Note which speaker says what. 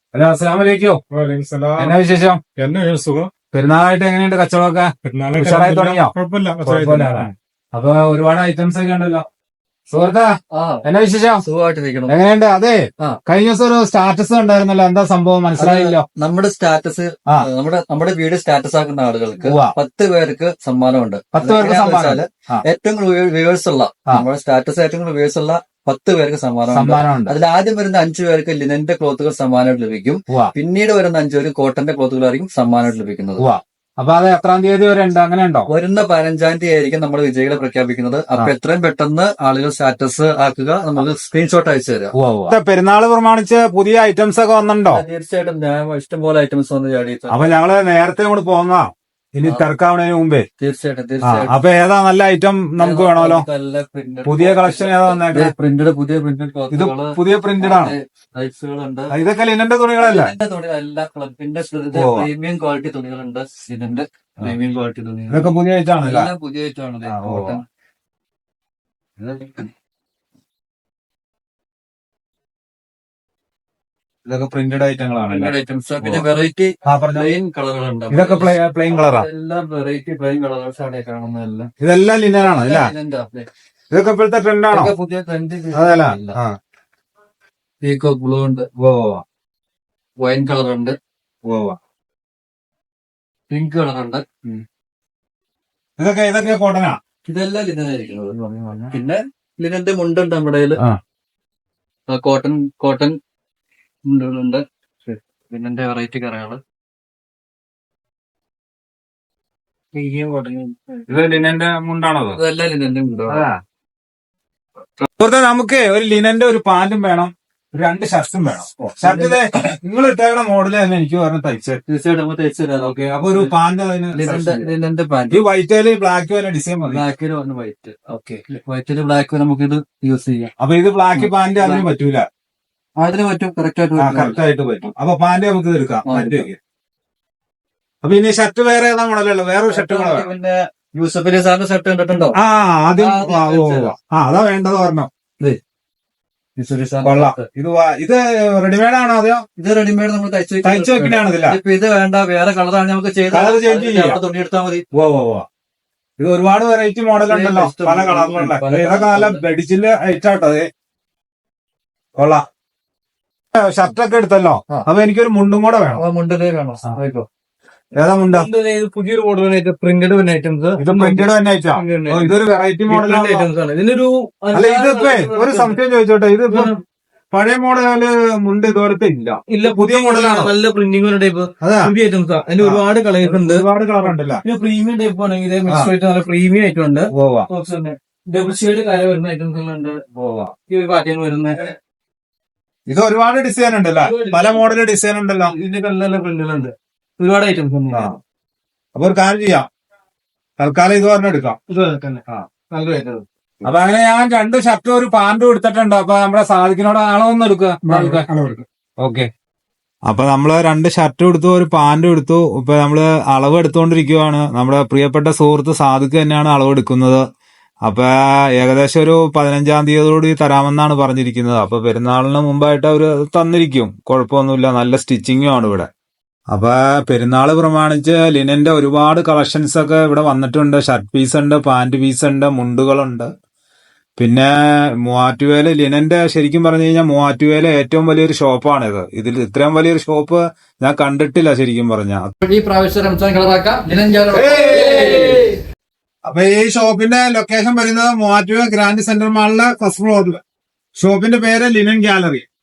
Speaker 1: Hello, അസ്സലാമു അലൈക്കും. എന്നാ വിശേഷം?
Speaker 2: എന്നെ സുഖം.
Speaker 1: പെരുന്നാളായിട്ട് എങ്ങനെയുണ്ട് കച്ചവടമൊക്കെ? ഉഷാറായി തുടങ്ങിയോ? കുഴപ്പമില്ല. അപ്പൊ ഒരുപാട് ഐറ്റംസ് ഒക്കെ ഉണ്ടല്ലോ. സുഹൃത്താ, എന്നാ വിശേഷം?
Speaker 3: സുഖമായിട്ടിരിക്കണം.
Speaker 1: എങ്ങനെയുണ്ട്? അതെ, കഴിഞ്ഞ ദിവസം ഒരു സ്റ്റാറ്റസ് ഉണ്ടായിരുന്നല്ലോ, എന്താ സംഭവം മനസ്സിലായില്ലോ?
Speaker 3: നമ്മുടെ സ്റ്റാറ്റസ് നമ്മുടെ വീഡിയോ സ്റ്റാറ്റസ് ആക്കുന്ന ആളുകൾക്ക് 10 പേർക്ക് സമ്മാനമുണ്ട്.
Speaker 1: 10 പേർക്ക് സമ്മാനം.
Speaker 3: ഏറ്റവും കൂടുതൽ വ്യൂവേഴ്സ് ഉള്ള നമ്മുടെ സ്റ്റാറ്റസ് ഏറ്റവും കൂടുതൽ വ്യൂവേഴ്സ് ഉള്ള 10 പേർക്ക് സമ്മാനമുണ്ട്. അതിൽ ആദ്യം വരുന്ന 5 പേർക്ക് ലിനന്റെ ക്ലോത്തുകൾ സമ്മാനമായിട്ട് ലഭിക്കും. പിന്നീട് വരുന്ന 5 പേർക്ക് കോട്ടന്റെ ക്ലോത്തുകളായിരിക്കും സമ്മാനമായിട്ട് ലഭിക്കുന്നത്.
Speaker 1: അപ്പൊ അത് എത്രാം തീയതി വരെ ഉണ്ട്? അങ്ങനെ ഉണ്ടോ?
Speaker 3: വരുന്ന 15-ാം തീയതി ആയിരിക്കും നമ്മൾ വിജയികളെ പ്രഖ്യാപിക്കുന്നത്. അപ്പൊ എത്രയും പെട്ടെന്ന് ആളുകൾ സ്റ്റാറ്റസ് ആക്കുക, നമുക്ക് സ്ക്രീൻഷോട്ട് അയച്ചു തരാം.
Speaker 1: പെരുന്നാൾ പ്രമാണിച്ച് പുതിയ ഐറ്റംസ് ഒക്കെ വന്നിട്ടുണ്ടോ?
Speaker 3: തീർച്ചയായിട്ടും ഇഷ്ടംപോലെ ഐറ്റംസ് വന്ന് ചാടി.
Speaker 1: അപ്പൊ ഞങ്ങള് നേരത്തെ കൂടെ പോന്നാ, ഇനി തിരക്കാവുന്നതിന് മുമ്പേ.
Speaker 3: തീർച്ചയായിട്ടും
Speaker 1: അപ്പൊ ഏതാ നല്ല ഐറ്റം നമുക്ക് വേണമല്ലോ? പുതിയ കളക്ഷൻ ഏതാ വന്നേക്കുന്നത്?
Speaker 3: പുതിയ
Speaker 1: ഇത് പുതിയ പ്രിന്റഡ് ആണ്. ഇതൊക്കെ ലിനന്റെ തുണികളല്ല?
Speaker 3: ക്ലബിന്റെ പ്രീമിയം ക്വാളിറ്റി തുണികളുണ്ട്. ഇതിന്റെ പ്രീമിയം ക്വാളിറ്റി തുണികൾ
Speaker 1: ഇതൊക്കെ പുതിയ ഐറ്റം ആണല്ലോ?
Speaker 3: പുതിയ ഐറ്റം ആണ്.
Speaker 1: ഇതൊക്കെ പ്രിന്റഡ് ഐറ്റങ്ങളാണ്.
Speaker 3: പിന്നെ വെറൈറ്റി പ്ലെയിൻ കളറുകളുണ്ട്.
Speaker 1: ഇതൊക്കെ പ്ലെയിൻ കളറാ?
Speaker 3: എല്ലാം വെറൈറ്റി പ്ലെയിൻ കളേഴ്സാണ് കാണുന്നതെല്ലാം.
Speaker 1: ഇതെല്ലാം ലിനനാണ് അല്ലേ? ഇതൊക്കെ ഇപ്പോഴത്തെ ട്രെൻഡാണോ?
Speaker 3: പുതിയ ട്രെൻഡ്.
Speaker 1: അതല്ല,
Speaker 3: പീകോക്ക് ബ്ലൂ ഉണ്ട്, വൈൻ കളർ ഉണ്ട്, പിങ്ക് കളർ ഉണ്ട്.
Speaker 1: ഇതൊക്കെ കോട്ടനാ?
Speaker 3: ഇതെല്ലാം ലിനനായിരിക്കുന്നത്. പിന്നെ ലിനന്റെ മുണ്ടുണ്ട് നമ്മുടെ കയ്യില്. കോട്ടൺ മുണ്ടുകളുണ്ട്. ലിനന്റെ വെറൈറ്റി കറകള്.
Speaker 1: ഇത് ലിനന്റെ മുണ്ടാണോ?
Speaker 3: ഇതെല്ലാം ലിനന്റെ മുണ്ടാണ്.
Speaker 1: നമുക്ക് ഒരു ലിനന്റെ ഒരു പാന്റും വേണം, 2 ഷർട്ടും വേണം. ഷർട്ട് നിങ്ങൾ ഇട്ടേക്കണ മോഡല് തന്നെ എനിക്ക് പറഞ്ഞ തയ്ച്ചത്.
Speaker 3: തീർച്ചയായിട്ടും നമുക്ക് തയ്ച്ചു തരാം.
Speaker 1: ഓക്കെ, അപ്പൊ ഒരു പാന്റ്
Speaker 3: ലിനന്റെ പാന്റ്.
Speaker 1: ഈ വൈറ്റില് ബ്ലാക്ക് വല്ല ഡിസൈൻ മതി.
Speaker 3: ബ്ലാക്കിൽ വന്ന് വൈറ്റ്. ഓക്കെ, വൈറ്റില് ബ്ലാക്ക് നമുക്ക് ഇത് യൂസ് ചെയ്യാം.
Speaker 1: അപ്പൊ ഇത് ബ്ലാക്ക് പാന്റ് അതിന് പറ്റൂല?
Speaker 3: അതിന് പറ്റും, കറക്റ്റ്
Speaker 1: ആയിട്ട് പറ്റും. അപ്പൊ പാന്റ് നമുക്ക് ഇത് എടുക്കാം. അപ്പൊ ഇനി ഷർട്ട് വേറെ ഏതാ മോഡലുള്ളൂ? വേറൊരു ഷർട്ട്
Speaker 3: പിന്നെ യൂസഫ് അലി സാറിന്റെ ഷർട്ട് കണ്ടിട്ടുണ്ടോ?
Speaker 1: ആദ്യം അതാ വേണ്ടത് പറഞ്ഞോ. കൊള്ളാം. ഇത് റെഡിമെയ്ഡ് ആണോ? അതെയോ?
Speaker 3: ഇത് റെഡിമെയ്ഡ് നമ്മൾ തയ്ച്ചു
Speaker 1: വെക്കണാണ്. ഇതില്ല,
Speaker 3: ഇപ്പൊ ഇത് വേണ്ട, വേറെ കളറാണ് നമുക്ക്
Speaker 1: കളർ ചേഞ്ച് ചെയ്യാം.
Speaker 3: തുണി എടുത്താൽ മതി.
Speaker 1: ഇത് ഒരുപാട് വെറൈറ്റി മോഡൽ ഉണ്ടല്ലോ, പല കളറിലുള്ള. ഇതൊക്കെ നല്ല ബെഡിച്ചില് ഐറ്റാട്ടോ. കൊള്ളാം. ഷർട്ടൊക്കെ എടുത്തല്ലോ, അപ്പൊ എനിക്കൊരു മുണ്ടും കൂടെ വേണം.
Speaker 3: മുണ്ടിലേ വേണോ?
Speaker 1: ഏതാ മുണ്ട?
Speaker 3: പുതിയൊരു മോഡൽ പ്രിന്റഡ് ഐറ്റംസ്.
Speaker 1: ഇത് പ്രിന്റഡ് തന്നെ ഐറ്റാ? ഇതൊരു വെറൈറ്റി മോഡൽ
Speaker 3: ഐറ്റംസ് ആണ്. ഇതിനൊരു
Speaker 1: അല്ല, ഇതിപ്പോ ഒരു സംശയം ചോദിച്ചോട്ടെ, ഇതിപ്പോ പഴയ മോഡല് മുണ്ട് ഇതുപോലത്തെ ഇല്ല, പുതിയ മോഡലാണ്.
Speaker 3: നല്ല പ്രിന്റിംഗ് ടൈപ്പ് പുതിയ ഐറ്റംസ്. അതിന് ഒരുപാട് കളേഴ്സ് ഉണ്ട്,
Speaker 1: ഒരുപാട് കളർ ഉണ്ടല്ലോ.
Speaker 3: പിന്നെ പ്രീമിയം ടൈപ്പ് ആണെങ്കിൽ നല്ല പ്രീമിയം ആയിട്ട് ഉണ്ട്. ഡബിൾ ഷെയ്ഡ് കല വരുന്ന ഐറ്റംസുകളുണ്ട്. ഈ പാറ്റേൺ വരുന്ന
Speaker 1: ഇത് ഒരുപാട് ഡിസൈൻ ഉണ്ടല്ലോ, പല മോഡൽ ഡിസൈൻ ഉണ്ടല്ലോ.
Speaker 3: ഇതിന്റെ നല്ല പ്രിന്റുകളുണ്ട്, ഒരുപാട് ഐറ്റംസ് ഉണ്ട്.
Speaker 1: അപ്പൊ ഒരു കാര്യം ചെയ്യാം, തൽക്കാലം ഇത് പറഞ്ഞ എടുക്കാം.
Speaker 3: നല്ല ഐറ്റം.
Speaker 1: അപ്പൊ അങ്ങനെ ഞാൻ 2 ഷർട്ടും ഒരു പാന്റും എടുത്തിട്ടുണ്ട്. അപ്പൊ നമ്മുടെ സാധിക്കിനോട് അളവൊന്നും എടുക്കുക. ഓക്കെ, അപ്പൊ നമ്മള് 2 ഷർട്ടും എടുത്തു, ഒരു പാന്റും എടുത്തു. ഇപ്പൊ നമ്മള് അളവ് എടുത്തുകൊണ്ടിരിക്കുവാണ്. നമ്മുടെ പ്രിയപ്പെട്ട സുഹൃത്ത് സാദിഖ് തന്നെയാണ് അളവ് എടുക്കുന്നത്. അപ്പൊ ഏകദേശം ഒരു 15-ാം തീയതിയോടുകൂടി തരാമെന്നാണ് പറഞ്ഞിരിക്കുന്നത്. അപ്പൊ പെരുന്നാളിന് മുമ്പായിട്ട് അവര് തന്നിരിക്കും, കുഴപ്പമൊന്നുമില്ല. നല്ല സ്റ്റിച്ചിങ്ങും ആണ് ഇവിടെ. അപ്പൊ പെരുന്നാൾ പ്രമാണിച്ച് ലിനന്റെ ഒരുപാട് കളക്ഷൻസ് ഒക്കെ ഇവിടെ വന്നിട്ടുണ്ട്. ഷർട്ട് പീസ് ഉണ്ട്, പാന്റ് പീസ് ഉണ്ട്, മുണ്ടുകളുണ്ട്. പിന്നെ മൂവാറ്റുപുഴയില് ലിനന്റെ ശരിക്കും പറഞ്ഞു കഴിഞ്ഞാൽ മൂവാറ്റുപുഴയിലെ ഏറ്റവും വലിയൊരു ഷോപ്പാണിത്. ഇതിൽ ഇത്രയും വലിയൊരു ഷോപ്പ് ഞാൻ കണ്ടിട്ടില്ല ശരിക്കും പറഞ്ഞാൽ.
Speaker 3: ഈ പ്രാവശ്യം
Speaker 1: അപ്പൊ ഈ ഷോപ്പിന്റെ ലൊക്കേഷൻ വരുന്നത് മൂവാറ്റുപുഴ ഗ്രാൻഡ് സെന്റർ മാളിലെ ഫസ്റ്റ് ഫ്ലോറിൽ. ഷോപ്പിന്റെ പേര് ലിനൻ ഗാലറി.